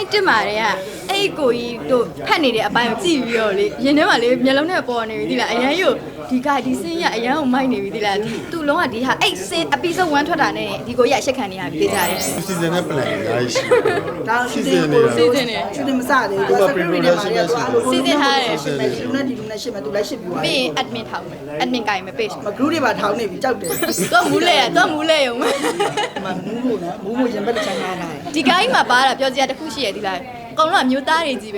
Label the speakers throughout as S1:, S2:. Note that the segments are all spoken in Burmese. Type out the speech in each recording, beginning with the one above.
S1: တစ်မှာတည်းကအဲ့ကိုကြီးတို့ဖတ်နေတဲ့အပိုင်းကိုကြည့်ပြီးတော့လေရင်ထဲမှာလေမျက်လုံးနဲ့ပေါ်နေပြီသီလားအရန်ကိုဒီစင်းရအရန်ကိုမိုက်နေပြီသီလားဒီသူ့လုံးကဒီဟာအဲ့စင်း episode 1ထွက်တာနဲ့ဒီကိုကြီးအရှက်ခံနေရပြီကြတယ်
S2: season နဲ့ plan အများကြီးရှိတယ်
S3: ဒါ season
S1: နဲ့
S3: ရှူတင်မစသေးဘူး secretary တွေမှာလည်းသူအားလုံး
S1: season ထားတယ်
S3: ဒီနဲ့ဒီနဲ့ရှစ်မယ်သူလည်းရှစ်ပြီးသွား
S1: ပြီးရင် admin ထောက်မယ် admin ကိုင်မယ် page
S3: မ group တွေပါထောင်းနေပြီကြောက်တယ်
S1: တော့မူးလဲတော့မူးလဲရုံပဲ
S3: မမူးလို့နော်မူးလို့ရင်ဘက်တစ်ချမ်းထားတာ
S1: ဒီကိုင်းမှာပါတာပြောစရာတစ်ခုရှိရသီလားအကောင်လုံးကမျိုးသားတွေကြီးပဲ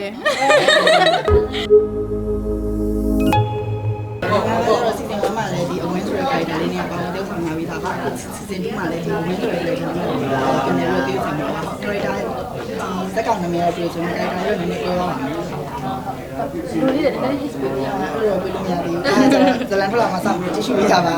S3: season 1မှာလည်းဒီအဝင်းဆိုတဲ့ character လေးနဲ့ပေါင်းတဲ့ဆောင်လာပြီးသားပါ season 2မှာလည်းဒီအဝင်းဆိုတဲ့ character လေးနဲ့ကျွန်တော်တို့တွေ့ဆောင်လာပါ character စက်ကောင်နာမည်တွေဆိုရင် character တွေနည်းနည်းပြောပါမယ်လူလေးတွေလည်း history ပြောတာအဲ့လိုပြောလို့မရသေးဘူးဇလန်ထွက်လာမှစပြီးကြည့်ရှုပေးကြပါ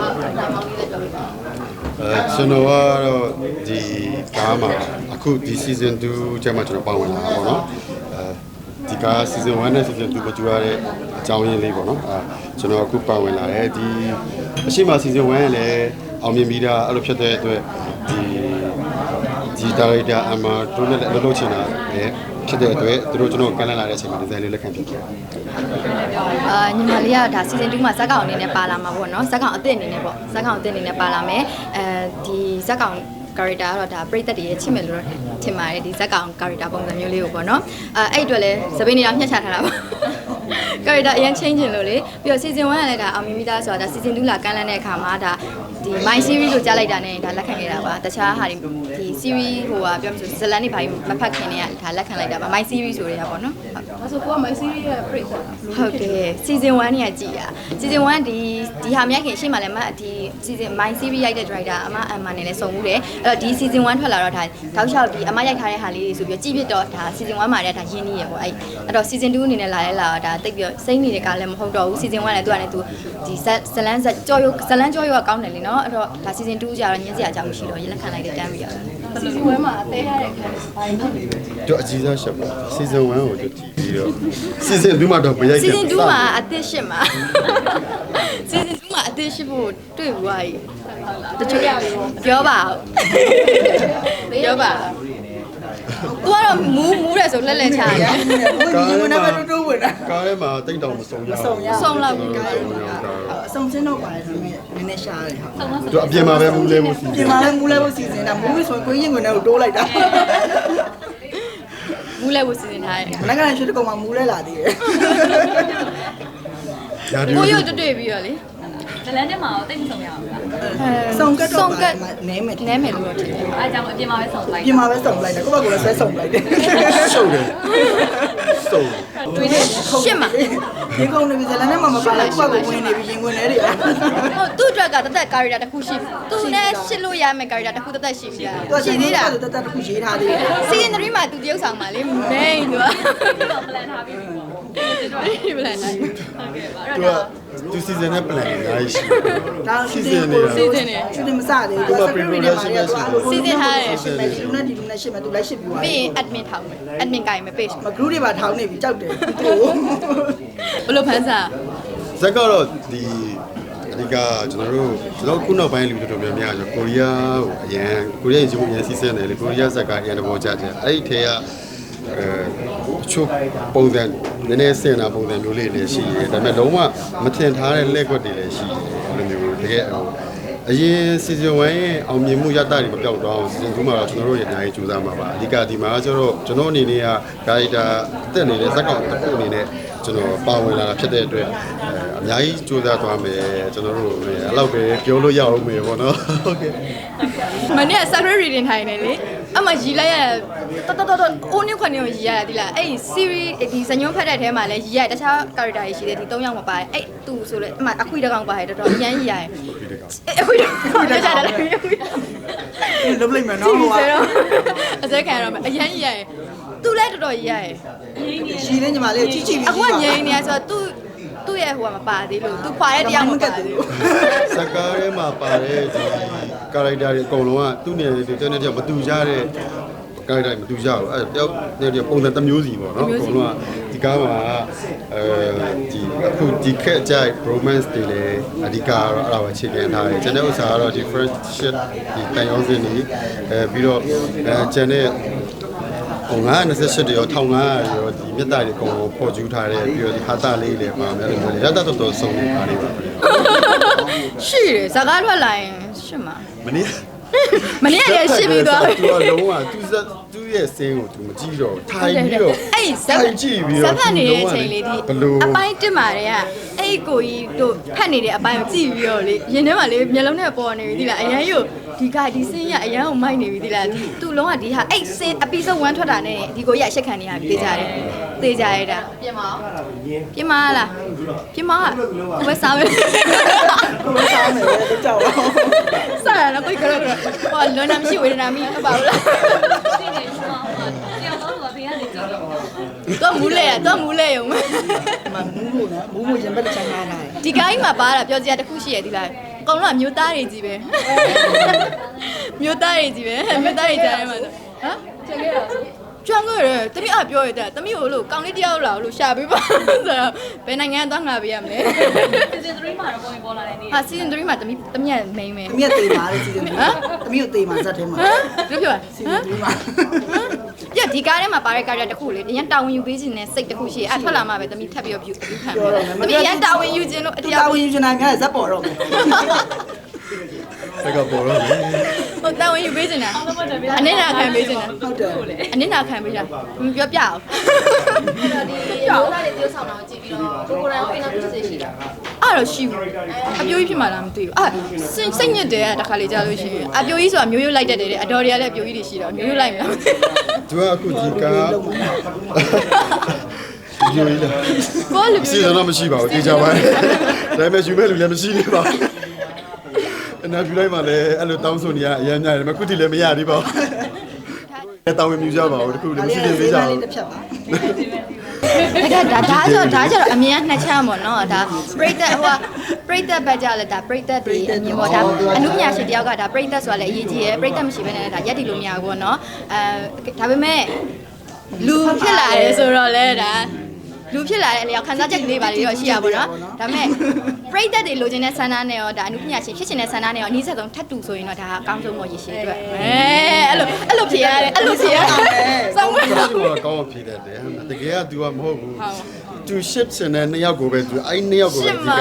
S2: ကျွန်တော်ကတော့ဒီကားမှာအခုဒီ season 2ကျမှကျွန်တော်ပါဝင်လာတာပေါ့နော်ဒီကား season 1နဲ့ season 2ကိုကြိုရတဲ့အကြောင်းရင်းလေးပေါ့နော်ကျွန်တော်အခုပါဝင်လာတယ်ဒီအရှိမ season 1ရဲ့လည်းအောင်မြင်ပြီးတာအဲ့လိုဖြစ်တဲ့အတွက်ဒီ director အမတို့နဲ့လှုပ်ချင်တာလည်းဖြစ်တဲ့အတွက်သူတို့ကျွန်တော်ကန်လန့်လာတဲ့အချိန်မှာဒီဇိုင်းလေးလက်ခံဖြစ်တယ်
S1: ညီမလေးကဒါ season 2မှာဇက်ကောင်အနေနဲ့ပါလာမှာပေါ့နော်ဇက်ကောင်အသစ်အနေနဲ့ပေါ့ဇက်ကောင်အသစ်အနေနဲ့ပါလာမယ်ဒီဇက်ကောင် character ကတော့ဒါပရိသတ်တွေရဲ့ချစ်မယ်လို့ထင်ပါတယ်ဒီဇက်ကောင် character ပုံစံမျိုးလေးကိုပေါ့နော်အဲ့အတွက်လည်းသပင်းနေတာမျှချထားတာပါ character အရင် change လို့လေပြီးတော့ season 1ကလည်းဒါအောင်မြင်မိသားဆိုတာဒါ season 2လာကန်လန့်တဲ့အခါမှာဒါဒီ my series လို့ကြားလိုက်တာနဲ့ဒါလက်ခံခဲ့တာပါတခြားဟာဒီ series ဟိုကပြောမှဆိုဇလန်နေဘာမဖတ်ခင်နေရဒါလက်ခံလိုက်တာပါ my series ဆိုရပါတော့
S4: ဒါဆိုကိုက my series ရဲ့ break ဆိုတာ
S1: ဟုတ်တယ် season 1เนี่ยကြည်ရ season 1ဒီဟာမြိုက်ခင်ရှေ့မှာလည်းဒီ season my series ရိုက်တဲ့ director အမနဲ့လည်းစုံမှုတယ်အဲ့တော့ဒီ season 1ထွက်လာတော့ဒါတောက်လျှောက်ဒီအမရိုက်ထားတဲ့ဟာလေးတွေဆိုပြီးကြည့်ပြတော့ဒါ season 1မှာလည်းဒါရင်းနှီးရပေါ့အဲ့တော့ season 2အနေနဲ့လာလဲလာတော့ဒါတိတ်ပြီးစိမ့်နေတဲ့ကလည်းမဟုတ်တော့ဘူး season 1လည်းသူကလည်းသူဒီဇလန်းကြော်ကောင်းတယ်လीเนาะအဲ့တော့ဒါ season 2ကျတော့ညင်းစရာအကြောင်းမရှိတော့ရလက်ခံလိုက်တဲ့တန်းပြီးရ
S4: season 1မှာအသေးရတဲ့ခံဘာလို့ဖြစ်လဲ
S2: တို့အကြီးစားရှက်ပါ season 1ကိုတို့ကြည့်ပြီးတော့ season 2မှာတော့မရိုက်ခဲ့ဘူး
S1: season 2မှာအသစ်ရှစ်မှာ season 2မှာအသစ်ရှစ်ဖို့တွေ့ဘူးဟာကြီးတချို့ပြောပါပြောပါသူကတော့မူးတယ်ဆိုလက်လက်ချာတယ်
S3: ဘူးဒီမှာပဲတိုးဝင်တာ
S2: ကားထဲမှာတိတ်တောင်မစုံရဘူး
S1: ဆုံးလောက်ပြီ
S3: အစုံစင်းတော့ပါတယ်ဆိုရင်နည်းနည်းရှားတယ်ဟုတ်
S2: တို့အပြင်မှာပဲမူးလဲမှုစီ
S3: ဒီမှာလည်းမူးလဲဖို့စီစဉ်တာမူးဆိုရင်ကိုရင်ဝင်တဲ့ကိုတိုးလိုက်တာ
S1: မူးလဲဖို့စီစဉ်ထားတယ်
S3: မနက်ကလည်းရွှေတကုံမှာမူးလဲလာသေးတယ်
S1: ကိုရုပ်တွေ့ပြီးတော့လေ
S4: ဇလန်တက်မှာတော့တိတ်မဆုံးရအောင်လား
S3: စုံကတ်တော့နဲမယ်
S1: နဲမယ်လို့ထင်တယ်
S4: အဲကြောင့်အပြင်မှာပဲဆုံးလိုက်
S3: ပြင်မှာပဲစုံလိုက်တယ်ကိုယ့်ဘက်ကလည်းဆွဲစုံလိုက်တယ်
S2: ရှုပ်တယ်စုံ
S1: တွေ့တယ်ရှစ်မှာ
S3: ဒီကုံနေပြီဇလန်နဲ့မှမပါလိုက်ကိုယ့်ဘက်ကဝင်နေပြီရင်ဝင်နေတယ်
S1: ဟုတ်သူ့အတွက်ကတသက် character တစ်ခုရှိသူနဲ့ရှစ်လို့ရမယ် character တစ်ခုတသက်ရှိပြီလားရှိသေးတာ
S3: တတတခုရေးထားသေးတယ်
S1: season 3မှာသူတယောက်ဆောင်ပါလေ main သူက
S4: တော့ plan ထားပြီးပြီပေါ့
S1: ဒီပလန်တိုင်း
S4: ဟုတ်ကဲ့ပါအဲ့
S2: တို့
S4: တော့
S2: ကသူ season နဲ့ plan အများကြီးရှိတယ်
S3: ဒါ
S2: season နေတာ
S1: season နဲ့
S3: ရှူတင်မစသေးဘူး secretary တွေမှာလည်းသူအားလုံး
S1: season ထားတယ်
S3: ရှစ်မယ်ဒီနဲ့ဒီနဲ့ရှစ်မယ်သူလည်းရှစ်ပြီးသွား
S1: ပြီးရင် admin ထောက်မယ် admin ကိုင်မယ် page
S3: မ group တွေပါထောင်းနေပြီကြောက်တယ်သူ့
S1: ဘလို့ဖန်စား
S2: ဇက်ကတော့ဒီအဓိကကျွန်တော်ခုနောက်ပိုင်းလူတော်တော်များများဆိုကိုရီးယားကိုအရန်ကိုရီးယားရေပုံရန်စီးစဲတယ်လေကိုရီးယားဇက်ကအရန်တဘောကြတယ်အဲ့ဒီထဲကချို့ပုံစံနည်းနည်းစင်တာပုံစံမျိုးလေးလည်းရှိတယ်ဒါပေမဲ့လုံးဝမထင်ထားတဲ့လက်ကွက်တွေလည်းရှိတယ်အဲ့လိုမျိုးတကယ်အရင် season 1ရဲ့အောင်မြင်မှုရတ္တတွေမပြောက်တော့အောင် season 2မှာတော့ကျွန်တော်တို့ရနိုင်ကြိုးစားမှာပါအဓိကဒီမှာကျတော့ကျွန်တော်အနေနဲ့က character တက်နေတဲ့ဇက်ကောင်တစ်ခုအနေနဲ့ကျွန်တော်ပါဝင်လာတာဖြစ်တဲ့အတွက်အများကြီးကြိုးစားသွားမယ်ကျွန်တော်တို့အဲ့လောက်ပဲပြောလို့ရအောင်မယ်ပေါ့နော်ဟုတ်ကဲ့
S1: မနေ့က secret reading ထိုင်နေလေအမရီလိုက်ရတော်အိုးနေခွန်းနေကိုရီရတာဒီလားအဲ့ series ဒီဇညွန်းဖတ်တဲ့ထဲမှာလည်းရီရတခြား character တွေရှိတယ်ဒီ3ယောက်မပါတယ်အဲ့သူဆိုလေအမအခွေတကောင်ပါတယ်တော်တော်ရမ်းရီရတယ်အခွေတကောင်ကြတာလေ
S3: လုံးလိုက်မယ်နော်ဟိုက
S1: အစဲခံရတော့မယ်အရမ်းရီရတယ်သူလည်းတော်တော်ရီရတယ်
S3: ရှိနေညီမလေးကြီးကြီးပြီး
S1: အခုကငြိမ်းနေရဆိုတော့သူ့ရဲ့ဟိုကမပါသေးလို့သူခွာတဲ့တရားမကတ်သေးဘူး
S2: စကားထဲမှာပါတဲ့ဒီ character တွေအကုန်လုံးကသူ့နေရာတွေတန်းတန်းမတူကြတဲ့ character မတူကြဘူးအဲ့တယောက်တည်းပုံစံတစ်မျိုးစီပေါ့နော်အကုန်လုံးကဒီကားမှာဒီအခုဒီခက်ကြိုက် romance တွေလည်းအဓိကကတော့အဲ့ဒါပဲအခြေခံထားတယ်ကျွန်တော်ဥစ္စာကတော့ဒီ friendship ဒီတန်ရုံးစင်းတွေပြီးတော့ကျန်တဲ့ 928တရော1500ရောဒီမြတ်တာတွေအကုန်ပေါ်ကျူးထားတယ်ပြီးတော့ဒီဟာတာလေးတွေပါမယ်လို့မျိုးလေရတတ်တော်ဆုံးနေတာလေးပါ
S1: ရှိတယ်ဇာကားထွက်လာရင်ရှင်းမှာ
S2: မနေ့
S1: မနေ့ကလည်းရှင်းပြီးသွား
S2: သူကလုံးဝသူရဲ့စင်းကိုသူမကြည့်တော့ထိုင်ပြီးတော့
S1: အဲ့ဇက်ဖတ်နေတဲ့အချိန်လေးဒီအပိုင်းတက်မာတွေကအဲ့ကိုကြီးတို့ဖတ်နေတဲ့အပိုင်းကိုကြည့်ပြီးတော့လေရင်ထဲမှာလေမျက်လုံးနဲ့ပေါ်နေပြီဒီလားအရန်ရုပ်ဒီစင်းရအရန်ကိုမိုက်နေပြီဒီလားသူ့လုံးကဒီဟာအဲ့စင်း episode 1ထွက်တာနဲ့ဒီကိုကြီးအရှက်ခံနေရပြီတေးကြရတာပြင်မလားပြင်မကိုပဲစားမယ်
S3: ကိုယ်စားမယ်တော့ကြောက်တော့
S1: စားရတော့ကိုကတော့ဟောလွန်နာမရှိဝေဒနာမိဟုတ်ပါဘူးလား
S4: ဒီနေ့ကျွန်တော်တရားတော်ကဘေးကနေကြည့်တော့
S1: တော့မူးလဲရုံ
S3: မမူးလို့နော်မူးမရင်ဘက်ချမ်းလာတယ်
S1: ဒီကိုင်းမှာပါတာပြောစရာတစ်ခုရှိရသေးလားအကောင်လုံးကမျိုးသားတွေကြီးပဲမျိုးသားတွေကြီးပဲမျိုးသားတွေကြားထဲမှာဆိုဟမ်ချက်ခဲ့တာကျွမ်းခဲ့တယ်တမီးအပြောရတဲ့တမီးကိုလို့ကောင်လေးတယောက်လာလို့ရှာပေးပါဆိုတော့ဘယ်နိုင်ငံသွားငါပေးရမလဲ
S4: season 3မှာတော့ပေါ်လာတယ်နေ
S1: ဟာ season 3မှာတမီးက main ပဲ
S3: သမီးကတေးပါလေစီစဉ်ဟမ်သမီးကိုတေးမှာဇက်ထဲမှာ
S1: ဟမ်ပြောပြော
S3: စီစဉ်ပြီးမှာ
S1: ပြဒီကားထဲမှာပါတဲ့ကားတစ်ခုလေအရင်တာဝန်ယူပေးခြင်းနဲ့စိတ်တစ်ခုရှိအဲ့ထွက်လာမှပဲတမီးထပ်ပြီးတော့ view ခံမယ်တမီးရန်တာဝန်ယူခြင်းလို့အတရား
S3: တာဝန်ယူချင်တာများဇက်ပေါ်တော့မယ်
S2: စကပေါ်တော့
S1: ဟိုတာဝန်ယူပေးခြင်းလားအနစ်နာခံပေးခြင်းလား
S3: ဟုတ်တယ်
S1: အနစ်နာခံပေးတာပြောပြအောင်
S5: ဒီရိုးသားတွေတယောက်ဆောင်တော့ကြည့်ပြီးတော့ကိုယ်တိုင်ရောအိမ်နောက်ဖြစ်စေရှိတာ
S1: အဲ့တော့ရှိဘူးအပြိုးကြီးဖြစ်မှလားမသိဘူးစိတ်ညစ်တယ်တခါလေကြားလို့ရှိရင်အပြိုးကြီးဆိုတာမျိုးရိုးလိုက်တတ်တယ်အတော်တွေကလည်းအပြိုးကြီးတွေရှိတော့မျိုးရိုးလိုက်မလား
S2: သူကအခုဒီကားယူရည်လား
S1: ကိုလူ
S2: စီစဉ်တော့မရှိပါဘူးတေချာပါတယ်ဒါပေမဲ့ယူမဲ့လူလည်းမရှိသေးပါဘူးအနာပြလိုက်မှလည်းအဲ့လိုတောင်းဆိုနေရအရင်များတယ်မခုတိလည်းမရသေးပါဘူးတောင်းဝင်မြူကြပါဦးတခုလည်းမရှိသေးသေးကြဘူး
S3: တစ်ဖြတ်ပါ
S1: ဒါကြတော့အမြင်နှစ်ချမ်းပေါ့နော်ဒါပရိသတ်ဟိုပရိသတ်ဘက်ကြလဲဒါပရိသတ်တွေအမြင်ပေါ့ဒါအနုညာရှင်တယောက်ကဒါပရိသတ်ဆိုတာလည်းအရေးကြီးရယ်ပရိသတ်မရှိဘဲနဲ့ဒါရက်တီလို့မရဘူးပေါ့နော်ဒါပေမဲ့လူဖြစ်လာတယ်ဆိုတော့လဲဒါလူဖြစ်လာတဲ့အလျောက်ခန်းစားချက်လေးပါလေတော့ရှိရပါတော့ဒါပေမဲ့ပရိသတ်တွေလိုချင်တဲ့ဆန္ဒနဲ့ရောဒါအနုပညာရှင်ဖြစ်ချင်တဲ့ဆန္ဒနဲ့ရောအနည်းဆက်ဆုံးထပ်တူဆိုရင်တော့ဒါအကောင်းဆုံးပေါ့ရရှိအတွက်အဲ့လိုဖြေရတယ်အဲ့လိုဖြေရတယ်စောင်းမ
S2: သူကကောင်းဖြေတတ်တယ်တကယ်က तू ကမဟုတ်ဘူးသူရှစ်စင်တဲ့နှစ်ယောက်ကိုပဲသူအဲ့နှစ်ယောက်ကိုပဲဒီက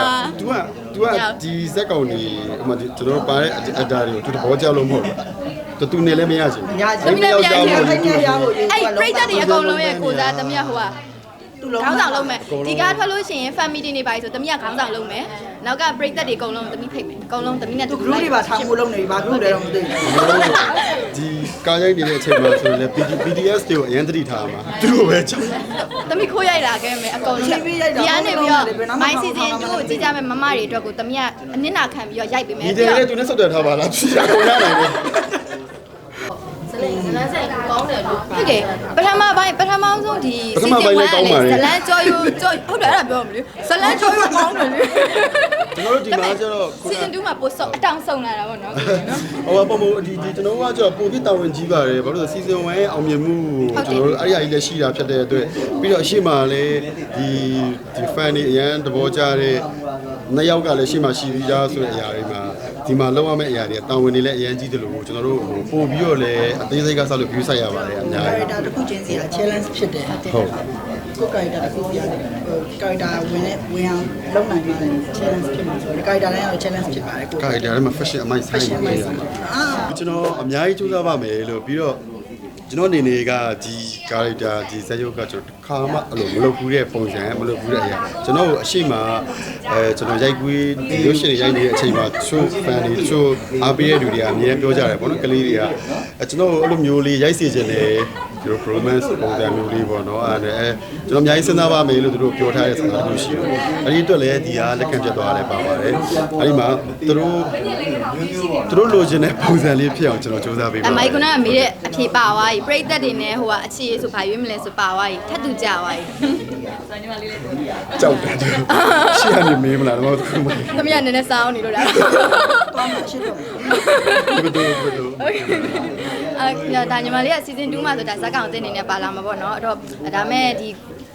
S2: तू ကဒီဇက်ကောင်ကြီးဟိုမှာကျွန်တော်ပါတဲ့အတားတွေကိုသူသဘောကျလို့မဟုတ်ဘူးသူနေလည်းမရချင်
S3: ညာသမီးလည်းပြန်ပြန်ခိုင်းနေရဖို့
S1: အဲ့ပရိသတ်တွေအကုန်လုံးရဲ့ကိုစားတမရဟိုက
S3: သူ့လုံး
S1: ခေါင်းဆောင်လုံးမယ်ဒီကားထွက်လို့ရှိရင် family တွေပါဆိုတမရခေါင်းဆောင်လုံးမယ်နောက်ကပရိသတ်တွေအကုန်လုံးတမီဖိတ်မယ်အကုန်လုံးတမီနဲ့
S3: သူ group တွေပါထောင်ဖို့လုပ်နေပြီဘာ group တွေတော့မသိဘူး
S2: ဒီကားရိုက်နေတဲ့အချိန်မှာဆိုရင်လည်း BTS တွေကိုအရင်သတိထားမှာသူတို့ပဲကြောက်
S1: တမီခိုးရိုက်လာခဲ့မယ်အကုန်လုံးဒီကနေပြီးတော့ my season 2ကိုကြည့်ကြမယ်မမတွေအတွက်ကိုတမီကအနစ်နာခံပြီးတော့ရိုက်ပေးမယ်
S2: ဒီတယ်လည်းသူနဲ့ဆက်သွယ်ထားပါလားဖြေရကုန်ရနိုင်တယ်
S5: ဇလန်းဆိုင်ကောင်းတယ်လို့
S1: ဟုတ်ကဲ့ပထမဆုံးဒီ season 1ကလည်းဇလန်းကြော်ယူဟုတ်တယ်အဲ့ဒါပြောမလို့ဇလန်းကြော်ယူကောင်းတယ်လေ
S2: ကျွန်တော်တို့ဒီမှာကျတော့
S1: season 2မှာပို့ဆော့အတောင်ဆုံးလာတာပေါ့နော်
S2: ဟိုပုံပုံဒီကျွန်တော်ကကျတော့ပုံပြတာဝန်ကြီးပါတယ်ဘာလို့လဲ season 1ရဲ့အောင်မြင်မှုကျွန်တော်တို့အဲ့ဒီအကြီးလည်းရှိတာဖြစ်တဲ့အတွက်ပြီးတော့အရှိမလည်းဒီ fan တွေအရင်သဘောကျတဲ့နှစ်ယောက်ကလည်းရှိမှရှိပြီးသားဆိုတဲ့အရာတွေမှာဒီမှာလောက်ရမယ့်အရာတွေတာဝန်တွေလည်းအရင်ကြီးတယ်လို့ကျွန်တော်တို့ပို့ပြီးတော့လည်းအသေးစိတ်ကစလို့ view ဆိုင်ရပါတယ်အများကြီး
S3: character တစ်ခုချင်းစီက challenge ဖြစ်တယ်
S2: ဟုတ်
S3: ကို character တစ်ခုပြရတယ် character ဝင်အောင်လုပ်နိုင်မှလည်း challenge ဖြစ်မှာဆိုတော့ character တိုင်းကတော့ challenge ဖြစ်ပါတယ်ကို
S2: character ထဲမှာ fashion အမိုက်ဆိုင်နေတယ်ကျွန်တော်အများကြီးစူးစမ်းပါမယ်လို့ပြီးတော့ကျွန်တော်အနေနဲ့ကဒီ character ဒီဇာတ်ရုပ်ကကျွန်တော်ခါမှအဲ့လိုမလုပ်ဘူးတဲ့ပုံစံမလုပ်ဘူးတဲ့အရာကျွန်တော်အရှိမကျွန်တော်ရိုက်ကွေးဒီရုပ်ရှင်ရိုက်နေတဲ့အချိန်မှာချိုး fan တွေချိုးအားပေးတဲ့လူတွေကအများကြီးပြောကြတယ်ပေါ့နော်ကလေးတွေကကျွန်တော်အဲ့လိုမျိုးလေးရိုက်စီခြင်းတယ်ဒီ romance ပုံစံမျိုးလေးပေါ့နော်အဲ့ကျွန်တော်အများကြီးစဉ်းစားပါမယ်လို့သူတို့ပြောထားတဲ့စကားတခုရှိတယ်အဲ့ဒီအတွက်လည်းဒီဟာလက်ခံပြတ်သွားတယ်ပါပါတယ်အဲ့ဒီမှာသူတို့လိုချင်တဲ့ပုံစံလေးဖြစ်အောင်ကျွန်တော်စူးစမ်းပေးပါမယ်
S1: မိုက်ကနာမေးတဲ့အဖြေပါသွားပြီပရိသတ်တွေနဲ့ဟိုကအခြေဆိုဘာရွေးမလဲဆိုပါသွားပြီထပ်တူကြသွားပြီ
S4: ဆိုညီမလေးလေး
S2: ကြောက်တယ်ရှေ့ကနေမေးမလားတော့သူမ
S1: သမီးကနည်းနည်းစောင်းနေလို့လား
S3: သွားမှာရှင်းတော့
S2: ဘယ်လို
S1: ဒါညီမလေးက season 2မှာဆိုဒါဇက်ကောင်အသစ်အနေနဲ့ပါလာမှာပေါ့နော်အဲ့တော့ဒါမဲ့ဒီ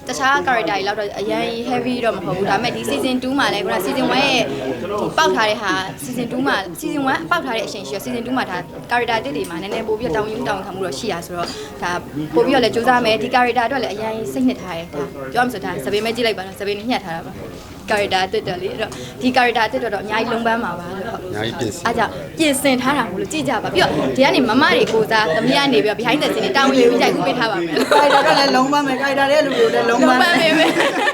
S1: တခြား character တွေလောက်တော့အရင် heavy တော့မဟုတ်ဘူးဒါပေမဲ့ဒီ season 2မှာလည်းခုန season 1ရဲ့ပေါက်ထားတဲ့ဟာ season 2မှာ season 1ပေါက်ထားတဲ့အချိန်ရှိရ season 2မှာဒါ character တစ်တွေမှာနည်းနည်းပို့ပြီးတောင်းယူတောင်းခံမှုတော့ရှိရဆိုတော့ဒါပို့ပြီးတော့လည်းစူးစမ်းမယ်ဒီ character အတွက်လည်းအရင်စိတ်နှစ်ထားတယ်ဒါပြောမှဆိုဒါစပင်းမဲကြည့်လိုက်ပါတော့စပင်းညှက်ထားတာပါ character တက်တယ်လေအဲ့တော့ဒီ character တက်တော့အများကြီးလုံးပန်းပါပါလို့ဟုတ်
S2: အများကြီးပြင်ဆင်
S1: အားကြောင့်ပြင်ဆင်ထားတာမို့လို့ကြည့်ကြပါပြီးတော့ဒီကနေမမတွေကိုစားသမီးကနေပြီးတော့ behind the scene တွေတောင်းယူပြီးကြိုက်ခုပေးထားပါမယ်
S3: character ကလည်းလုံးပန်းမယ် character ရဲ့လူတွေကိုလည်းလုံးပန်း
S1: လုံးပန်းပေးမယ်